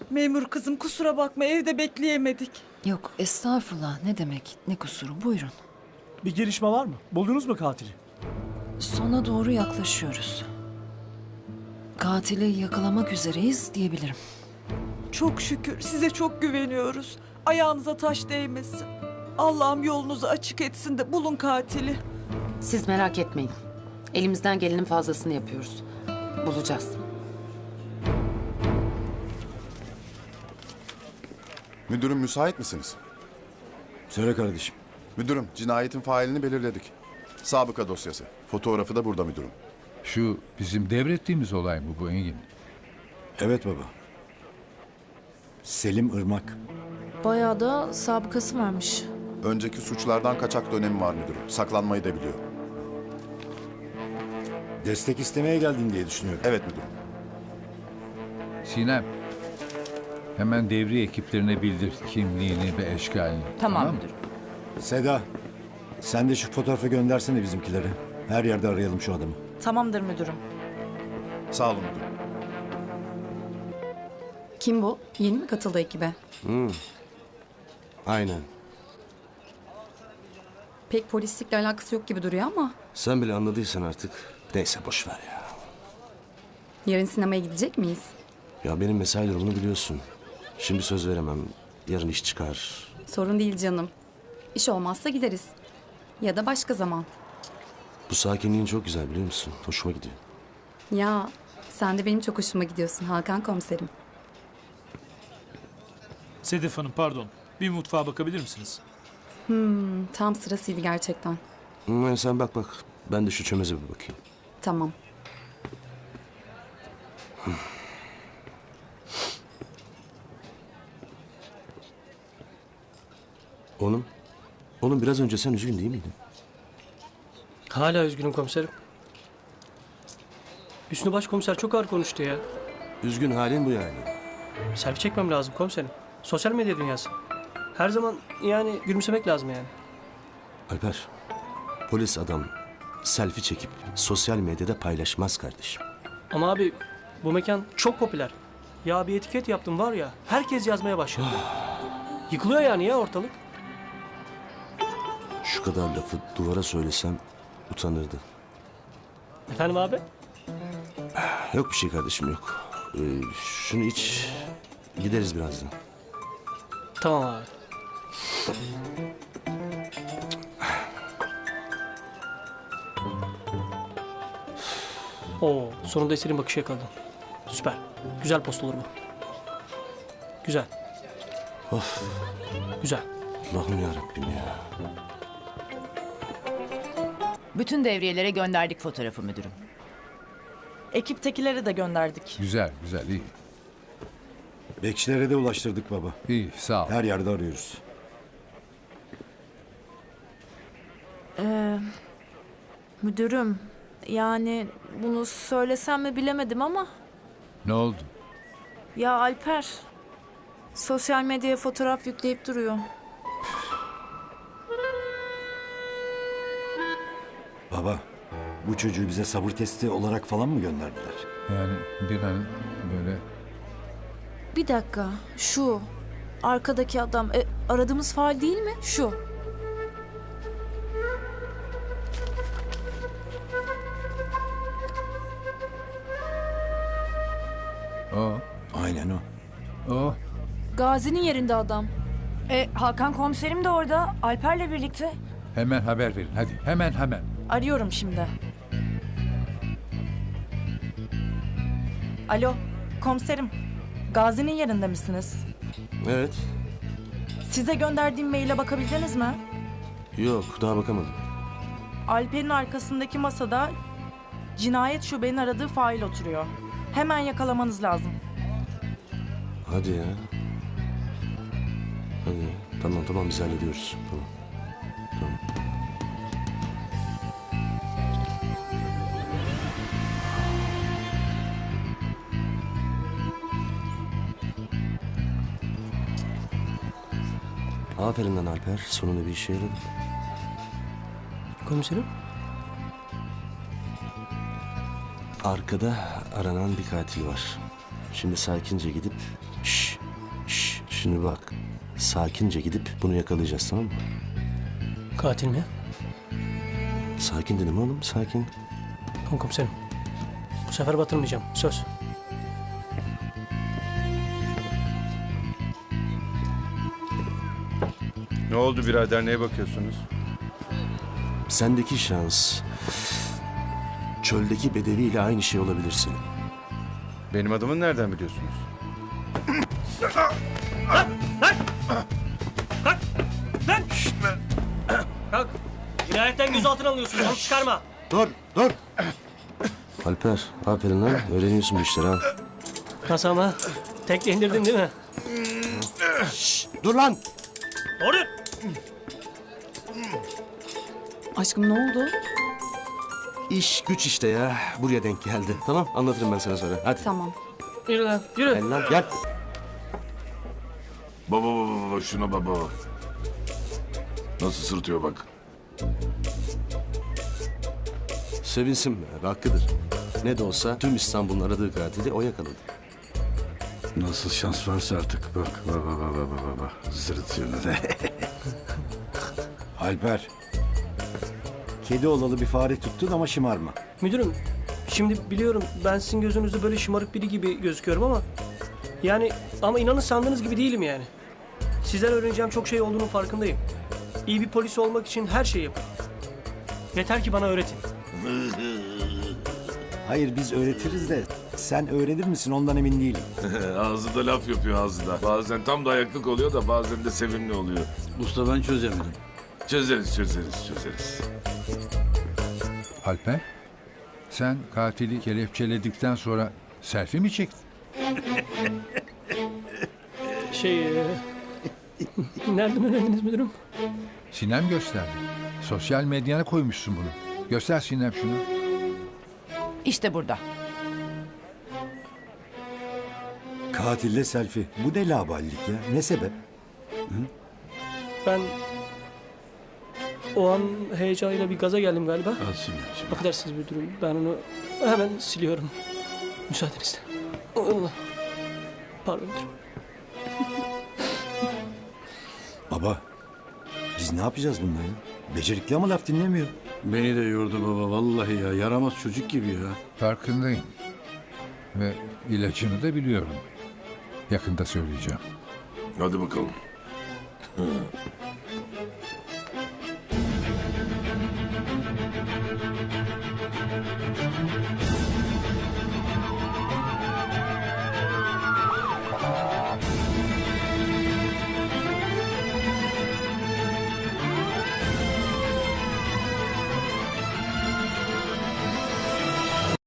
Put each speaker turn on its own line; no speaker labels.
Memur kızım kusura bakma evde bekleyemedik.
Yok estağfurullah, ne demek, ne kusuru, buyurun.
Bir gelişme var mı? Buldunuz mu katili?
Sona doğru yaklaşıyoruz. Katili yakalamak üzereyiz diyebilirim.
Çok şükür size çok güveniyoruz. Ayağınıza taş değmesin. Allah'ım yolunuzu açık etsin de bulun katili.
Siz merak etmeyin. Elimizden gelenin fazlasını yapıyoruz. Bulacağız.
Müdürüm müsait misiniz?
Söyle kardeşim.
Müdürüm cinayetin failini belirledik. Sabıka dosyası. Fotoğrafı da burada müdürüm.
Şu bizim devrettiğimiz olay mı bu Engin?
Evet baba. Selim Irmak.
Bayağı da sabıkası varmış.
Önceki suçlardan kaçak dönemi var müdürüm. Saklanmayı da biliyor.
Destek istemeye geldin diye düşünüyorum.
Evet müdürüm.
Sinem, hemen devriye ekiplerine bildir kimliğini ve eşkalini. Tamam mı?
Seda, sen de şu fotoğrafı göndersene bizimkilere. Her yerde arayalım şu adamı.
Tamamdır müdürüm.
Sağ olun müdürüm.
Kim bu? Yeni mi katıldı ekibe?
Aynen.
Pek polislikle alakası yok gibi duruyor ama.
Sen bile anladıysan artık. Neyse boş ver ya.
Yarın sinemaya gidecek miyiz?
Ya benim mesai durumunu biliyorsun. Şimdi söz veremem. Yarın iş çıkar.
Sorun değil canım. İş olmazsa gideriz. Ya da başka zaman.
Bu sakinliğin çok güzel biliyor musun? Hoşuma gidiyor.
Ya sen de benim çok hoşuma gidiyorsun Hakan komiserim.
Sedef Hanım pardon. Bir mutfağa bakabilir misiniz?
Tam sırasıydı gerçekten.
Sen bak. Ben de şu çömeze bir bakayım.
Tamam.
Oğlum biraz önce sen üzgün değil miydin?
Hala üzgünüm komiserim. Hüsnü Başkomiser çok ağır konuştu ya.
Üzgün halin bu yani.
Selfie çekmem lazım komiserim. Sosyal medya dünyası. Her zaman yani gülümsemek lazım yani.
Alper, polis adam selfie çekip sosyal medyada paylaşmaz kardeşim.
Ama abi bu mekan çok popüler. Ya bir etiket yaptım var ya, herkes yazmaya başladı. Yıkılıyor yani ya ortalık.
Şu kadar lafı duvara söylesem utanırdı.
Efendim abi?
Yok bir şey kardeşim yok. Şunu iç, gideriz birazdan.
Tamam abi. Oo, sonunda Eser'in bakışı yakaladım. Süper. Güzel post olur bu. Güzel.
Of,
Güzel.
Allah'ım yarabbim ya.
Bütün devriyelere gönderdik fotoğrafı müdürüm.
Ekiptekilere de gönderdik.
Güzel, güzel, iyi.
Bekçilere de ulaştırdık baba.
İyi, sağ ol.
Her yerde arıyoruz.
Müdürüm, yani bunu söylesem mi bilemedim ama.
Ne oldu?
Ya Alper, sosyal medyaya fotoğraf yükleyip duruyor.
Baba, bu çocuğu bize sabır testi olarak falan mı gönderdiler?
Yani bir an böyle...
Bir dakika, şu arkadaki adam aradığımız faal değil mi? Şu.
O,
Aynen o.
o.
Gazi'nin yerinde adam.
Hakan komiserim de orada, Alper'le birlikte.
Hemen haber verin, hadi. Hemen.
Arıyorum şimdi. Alo komiserim. Gazi'nin yerinde misiniz?
Evet,
Size gönderdiğim maile bakabildiniz mi?
yok daha bakamadım.
Alper'in arkasındaki masada cinayet şubenin aradığı fail oturuyor. Hemen yakalamanız lazım.
Hadi ya. Hadi. Tamam biz hallediyoruz. Tamam. Aferin lan Alper. Sonunda bir işe yaradı.
Komiserim?
Arkada aranan bir katil var. Şimdi sakince gidip... Şşş! Şimdi bak. Sakince gidip bunu yakalayacağız, tamam mı?
Katil mi?
Sakin dedim oğlum, sakin.
Tamam komiserim. Bu sefer batırmayacağım. Söz.
Ne oldu birader, neye bakıyorsunuz?
Sendeki şans... Çöldeki bedeviyle aynı şey olabilirsin.
Benim adımı nereden biliyorsunuz?
Kalk. Cinayetten gözaltına alıyorsun. Onu çıkarma.
Dur, dur! Alper, aferin lan. Öğreniyorsun bu işleri ha.
Nasıl ama? Tekle indirdin değil mi?
Dur lan!
Doğru.
Aşkım ne oldu?
İş güç işte ya. Buraya denk geldi. Tamam, anlatırım ben sana sonra. Hadi.
Tamam.
Yürü lan. Yürü.
Gel lan, gel.
Baba şuna baba. Nasıl sırıtıyor bak.
Sevinsin be, hakkıdır. Ne de olsa tüm İstanbul'un aradığı katili o yakaladı.
Nasıl şans varsa artık bak. Bak. Sırıtıyor ne de.
Alper. Kedi olalı bir fare tuttun ama şımarma.
Müdürüm, şimdi biliyorum ben sizin gözünüzde böyle şımarık biri gibi gözüküyorum ama... Yani ama inanın sandığınız gibi değilim yani. Sizden öğreneceğim çok şey olduğunun farkındayım. İyi bir polis olmak için her şeyi yaparım. Yeter ki bana öğretin.
Hayır biz öğretiriz de sen öğrenir misin ondan emin değilim.
Ağzında laf yapıyor ağzında. Bazen tam da ayaklık oluyor da bazen de sevimli oluyor.
Usta ben çözemedim.
Çözeriz.
Alper, sen katili kelepçeledikten sonra selfie mi çektin?
Nereden öğrendiniz müdürüm?
Sinem gösterdi. Sosyal medyana koymuşsun bunu. Göster Sinem şunu.
İşte burada.
Katille selfie. Bu ne laballik ya? Ne sebep?
Ben o an heyecanıyla bir gaza geldim galiba. Affedersiniz müdürüm. Ben onu hemen siliyorum. Müsaadenizle. Allah. Pardon müdürüm.
Baba. Biz ne yapacağız bununla ya? Becerikli ama laf dinlemiyor.
Beni de yordu baba vallahi ya. Yaramaz çocuk gibi ya.
Farkındayım. Ve ilacını da biliyorum. Yakında söyleyeceğim.
Hadi bakalım.